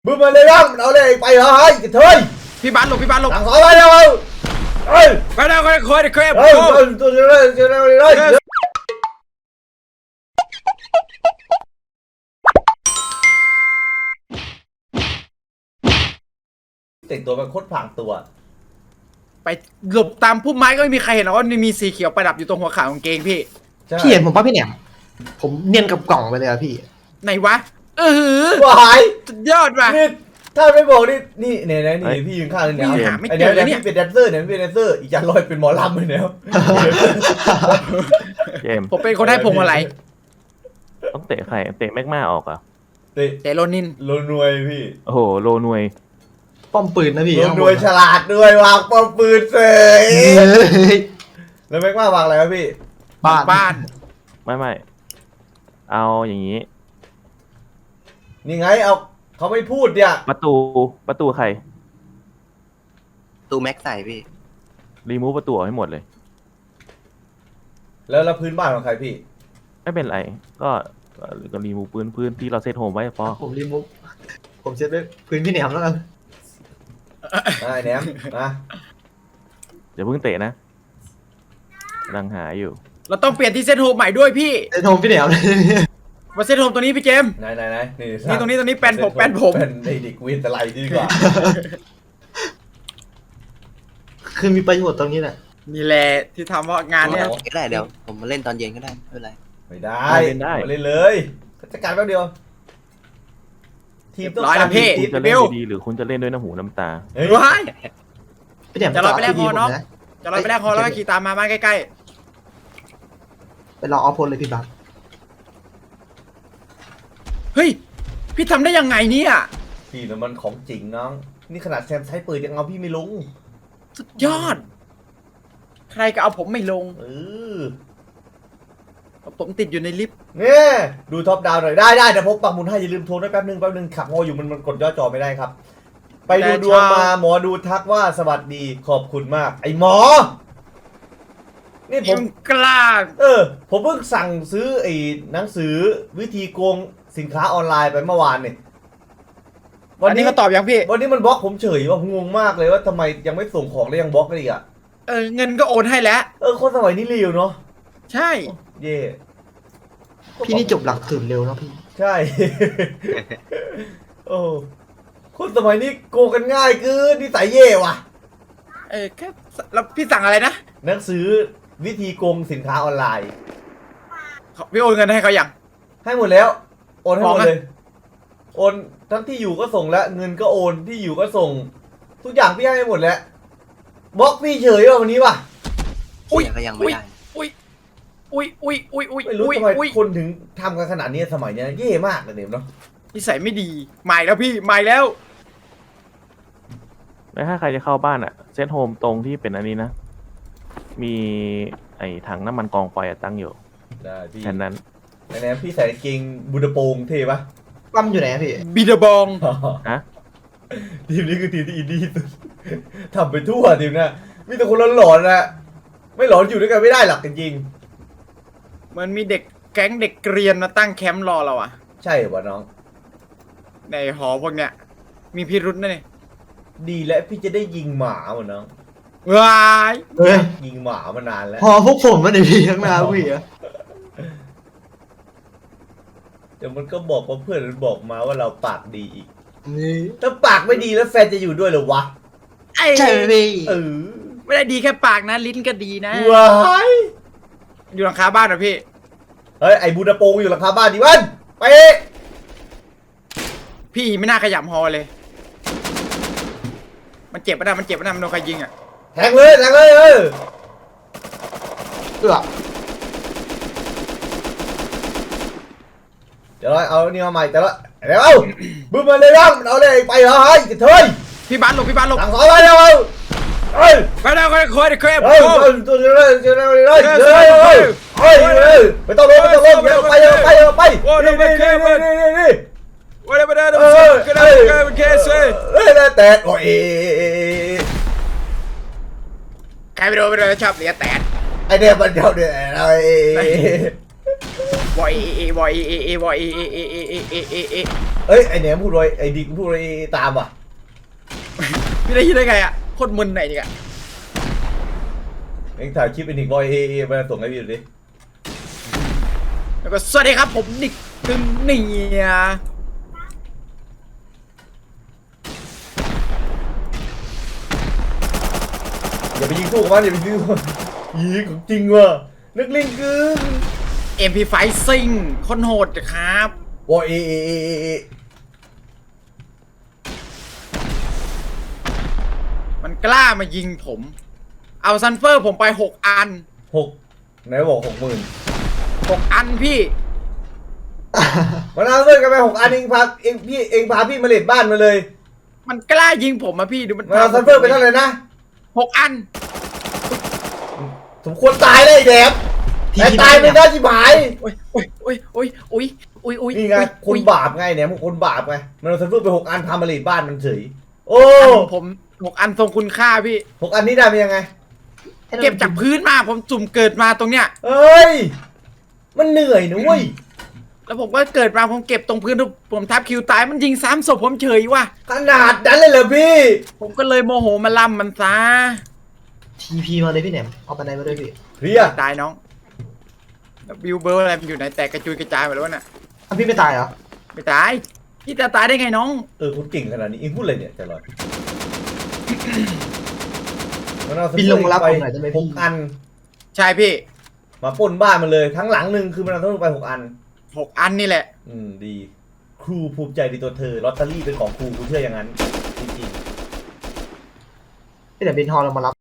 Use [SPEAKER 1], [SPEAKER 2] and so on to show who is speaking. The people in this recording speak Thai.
[SPEAKER 1] มึงมาเลยยังเอาเลยไปเหรอเฮ้ยกระเทย
[SPEAKER 2] พี่บ้านหลบพี่บ้านหลบ
[SPEAKER 1] หลังซอยไปแล้วเฮ้ย
[SPEAKER 2] ไปแล้วคนคอยเครป
[SPEAKER 1] ตัวเลยแต่งตัวเป็นโคตรผางตัว
[SPEAKER 2] ไปหลบตามพุ่มไม้ก็ไม่มีใครเห็นหรอกว่ามีสีเขียวประดับอยู่ตรงหัวขากางเกงพี่
[SPEAKER 3] พี่เห็นผมป่ะพี่เนี่ยผมเนียนกับกล่องไปเลยอะพี่
[SPEAKER 2] ไหนวะ
[SPEAKER 1] หาย
[SPEAKER 2] สุดยอดว่ะ
[SPEAKER 1] นี่ถ้าไม่บอกนี่เนี่ยนี่พี่ยืนข้างเลยเนี่ยไอเนี่ยพี่เป็นแดนเซอร์เนี่ยพี่เป็นแดนเซอร์อีกอย่างลอยเป็นหมอลำเลยเนี่ย
[SPEAKER 2] ผมเป็นคนให้พงอะไร
[SPEAKER 4] ต้องเตะใครเตะแม็กมาออกอ่ะ
[SPEAKER 2] เตะโรนิน
[SPEAKER 1] โลนวยพี่
[SPEAKER 4] โอ้โหโลนวย
[SPEAKER 3] ป้อมปืนนะพี่
[SPEAKER 1] โลนวยฉลาดด้วยวางป้อมปืนเสยแล้วแม็กมาวางอะไรครับพี่
[SPEAKER 2] บ้าน
[SPEAKER 4] ไม่เอาอย่างนี้
[SPEAKER 1] นี่ไงเอาเขาไม่พูดเนี่ย
[SPEAKER 4] ประตูใคร
[SPEAKER 3] ตูแม็กใส่พี่
[SPEAKER 4] รีมูฟประตูออกให้หมดเลย
[SPEAKER 1] แล้วพื้นบ้านของใครพี่
[SPEAKER 4] ไม่เป็นไรก็รีมูฟพื้นที่เราเซตโฮมไว้พอ
[SPEAKER 3] ผมรีมูฟผมเซตไว้พื้นพี่แหนมแล้วกัน
[SPEAKER 1] ได้แหนมนะ
[SPEAKER 4] อย่าเพิ่งเตะนะกำลังหาอยู่
[SPEAKER 2] เราต้องเปลี่ยนที่เซตโฮมใหม่ด้วยพี่
[SPEAKER 3] เซตโฮมพี่แหนมเลย
[SPEAKER 2] มาเซตโฮมตัวนี้พี่เจม
[SPEAKER 1] ไหน
[SPEAKER 2] นี่ตรงนี้แปนผม
[SPEAKER 1] เป็นเด็กวินสไลด์ดีกว่า
[SPEAKER 3] คือมีประโยชน์ตรงนี้แหละ
[SPEAKER 2] นี่แหละที่ทำว่างานเนี้ย
[SPEAKER 5] ก็ได้เดี๋ยวผมมาเล่นตอนเย็นก็ได้ไม่เป็นไร
[SPEAKER 1] ไม่ได้เล่นเลยจัดการแป๊บเดียว
[SPEAKER 2] ทีมต้องการ
[SPEAKER 4] ทีมจะเล่นดีหรือคุณจะเล่นด้วยน้ำหูน้ำตา
[SPEAKER 2] ว้ายจะรอไปแรกคอน้องจะรอไปแรกคอแล้วก็ขี่ตามมาบ้านใกล้
[SPEAKER 3] ๆไปรอออฟโพลเลยพี่บัก
[SPEAKER 2] เฮ้ยพี่ทำได้ยังไงเนี่ย
[SPEAKER 1] พี่แล้วมันของจริงน้องนี่ขนาดแซมใช้ปืนยังเอาพี่ไม่ลง
[SPEAKER 2] สุดยอดใครก็เอาผมไม่ลงผมติดอยู่ในลิฟต์
[SPEAKER 1] เนี่ยดูท็อปดาวหน่อยได้แต่พบปักหมุนให้อย่าลืมโทรด้วยแป๊บนึงขับงออยู่มันกดย่อจอไม่ได้ครับไปดูดวงมาหมอดูทักว่าสวัสดีขอบคุณมากไอหมอนี่ผม
[SPEAKER 2] กล้า
[SPEAKER 1] ผมเพิ่งสั่งซื้อไอ้หนังสือวิธีโกงสินค้าออนไลน์ไปเมื่อวานนี่
[SPEAKER 2] วันนี้ก็ตอบยังพี่
[SPEAKER 1] วันนี้มันบล็อกผมเฉยว่างงมากเลยว่าทำไมยังไม่ส่งของแล้วยังบล็อกกันอีกอ่ะ
[SPEAKER 2] เงินก็โอนให้แล้ว
[SPEAKER 1] คนสมัยนี้เร็วเนาะ
[SPEAKER 2] ใช่
[SPEAKER 1] เย่
[SPEAKER 3] พี่นี่จบหลักสูตรเร็วเนาะพี่
[SPEAKER 1] ใช่โอ้คนสมัยนี้โกงกันง่ายคือนิสัยเย่ว่ะ
[SPEAKER 2] แค่แล้วพี่สั่งอะไรนะ
[SPEAKER 1] หนังสือวิธีโกงสินค้าออนไลน์
[SPEAKER 2] พี่โอนเงินให้เขาอย่าง
[SPEAKER 1] ให้หมดแล้วโอนให้หมดเลยโอนทั้งที่อยู่ก็ส่งแล้วเงินก็โอนที่อยู่ก็ส่งทุกอย่างพี่ให้หมดแล้วบล็อกพี่เฉยว่ะวันนี้ว่ะ
[SPEAKER 5] ก็ยังไม่ได้
[SPEAKER 1] ไม่รู้ทำไมคนถึงทำกันขนาดนี้สมัยนี้เย่มากเลยเนาะ
[SPEAKER 2] นิสัยไม่ดีใหม่แล้วพี่ใหม่แล้ว
[SPEAKER 4] แล้วถ้าใครจะเข้าบ้านอะเซตโฮมตรงที่เป็นอันนี้นะมีไอ้ถังน้ำมันกองไฟตั้งอยู่
[SPEAKER 1] ได้พี่
[SPEAKER 4] แค่นั้น
[SPEAKER 1] ไหนพี่ใส่เกงบูดาโปงเท่ปะ
[SPEAKER 3] ปั้มอยู่ไหนพี่
[SPEAKER 2] บีดาบอง
[SPEAKER 4] ฮะ
[SPEAKER 1] ทีมนี้คือทีมที่อินดี้สุดทำไปทั่วทีมนะมีแต่คนหลอนๆนะไม่หลอนอยู่ด้วยกันไม่ได้หรอกจริง
[SPEAKER 2] ๆมันมีเด็กแก๊งเด็กเกรียนมาตั้งแคมป์รอเราอ่ะ
[SPEAKER 1] ใช่ป่ะน้อง
[SPEAKER 2] ในหอพวกเนี้ยมีพิรุธนะเนี่ย
[SPEAKER 1] ดีแล้วพี่จะได้ยิงหมาเหมือนน้อง
[SPEAKER 2] ว้าย
[SPEAKER 1] ยิงหมามานานแล้ว
[SPEAKER 3] พอพวกผมมาในพี่ข้างหน้าพี่อะ
[SPEAKER 1] เดี๋ยวมันก็บอกว่าเพื่อนมันบอกมาว่าเราปากดีอีกถ้าปากไม่ดีแล้วแฟนจะอยู่ด้วยหรอวะ
[SPEAKER 3] ใช่พี่
[SPEAKER 2] ไม่ได้ดีแค่ปากนะลิ้นก็ดีนะ
[SPEAKER 1] ว้าย
[SPEAKER 2] อยู่หลังคาบ้านนะพี่
[SPEAKER 1] เฮ้ยไอ้บูดาโปงอยู่หลังคาบ้านดิวันไป
[SPEAKER 2] พี่ไม่น่าขยับฮอเลยมันเจ็บปะนะมันโดนใครยิงอ่ะ
[SPEAKER 1] แทงเลยเดี๋ยวเอานี่มาใหม่แต่ละเดี๋ยวเอาบึ้มมาเลยยังเอาเลยไปเหรอเฮ้ยกระเทย
[SPEAKER 2] พี่บ้านหลบ
[SPEAKER 1] หลังซอยไปแล้ว
[SPEAKER 2] ไปแล้วคอยเครป
[SPEAKER 1] ตัวเลยไม่ต้องลงไปนี่แต่โอ้ย
[SPEAKER 2] ใครไปโดนชอบเลียแตน
[SPEAKER 1] ไอเดียมันเดียวเดียว
[SPEAKER 2] วอยเอวอยเอวอยเอ
[SPEAKER 1] เอ้ยไอเนี่ยพูดไว้ไอดิกพูดไว้ตามว่ะ
[SPEAKER 2] พี่ได้ยินได้ไงอ่ะโคตรมึนไหนนี่กะ
[SPEAKER 1] เอ็งถ่ายคลิปไอดิกบอยมาส่งให้พี่ดูดิ
[SPEAKER 2] แล้วก็สวัสดีครับผมนิกถึงเนี่ย
[SPEAKER 1] อย่าไปยิงสู้กับมันอย่าไปยิงสู้กับมันยิงของจริงว่ะนักเลงเกิน
[SPEAKER 2] MP5 ซิงคนโหดครับ
[SPEAKER 1] บอย
[SPEAKER 2] มันกล้ามายิงผม เอาซันเฟอร์ผมไป6 อัน
[SPEAKER 1] 6ไหนบอก
[SPEAKER 2] 6 อันพี่
[SPEAKER 1] มันเอาเสื้อกันไป6 อันเองพาพี่มาเลดบ้านมาเลย
[SPEAKER 2] มันกล้ายิงผมอะพี่ดูมัน
[SPEAKER 1] มันเอาซันเฟอร์ไปเท่าไหร่นะ
[SPEAKER 2] 6 อัน
[SPEAKER 1] สมควรตายเลยไอ้แดบแต่ตายไม่ได้ชิบหาย
[SPEAKER 2] โอ้ย
[SPEAKER 1] นี่ไงคนบาปไงเนี่ยมึงคนบาปไงมันเอาซันเฟอร์ไป6 อันพามาเลดบ้านมันเฉยโอ้
[SPEAKER 2] ผม6 อันทรงคุณค่าพี่
[SPEAKER 1] 6 อันนี้ได้เป็นยังไง
[SPEAKER 2] เก็บจากพื้นมาผมจุ่มเกิดมาตรงเนี้ย
[SPEAKER 1] เอ้ยมันเหนื่อยนะเว้ย
[SPEAKER 2] แล้วผมก็เกิดมาผมเก็บตรงพื้นผมทับคิวตายมันยิง3 ศพผมเฉยว่ะ
[SPEAKER 1] ขนาดนั้นเลยเหรอพี่
[SPEAKER 2] ผมก็เลยโมโหมาล่ำมันซะ
[SPEAKER 3] ทีพีมาเลยพี่แหนมเอาไปไหนมาด้วยพี่
[SPEAKER 1] เคลียร์
[SPEAKER 2] ตายน้องแล้วบิวเบอร์อะไรมันอยู่ไหนแตกกระจุยกระจายหมดแล้วน่ะ
[SPEAKER 3] อ้าวพี่ไม่ตายเหรอ
[SPEAKER 2] ไม่ตายพี่จะตายได้ไงน้อง
[SPEAKER 1] คุณเก่งขนาดนี้เองพูดอะไรเนี่ยใจลอยมันเอา
[SPEAKER 3] บินลงมารับ
[SPEAKER 1] ไป
[SPEAKER 3] ผมหน่อยได้ไหมพี่
[SPEAKER 1] 6 อัน
[SPEAKER 2] ใช่พี่
[SPEAKER 1] มาปล้นบ้านมันเลยทั้งหลังหนึ่งคือมันเอาต้องไป6 อัน
[SPEAKER 2] 6 อันนี่แหละ
[SPEAKER 1] ดี ครูภูมิใจในตัวเธอลอตเตอรี่เป็นของครูกูเชื่ออย่างนั้นจริง
[SPEAKER 3] พี่แหนมบินฮอลเรามารับ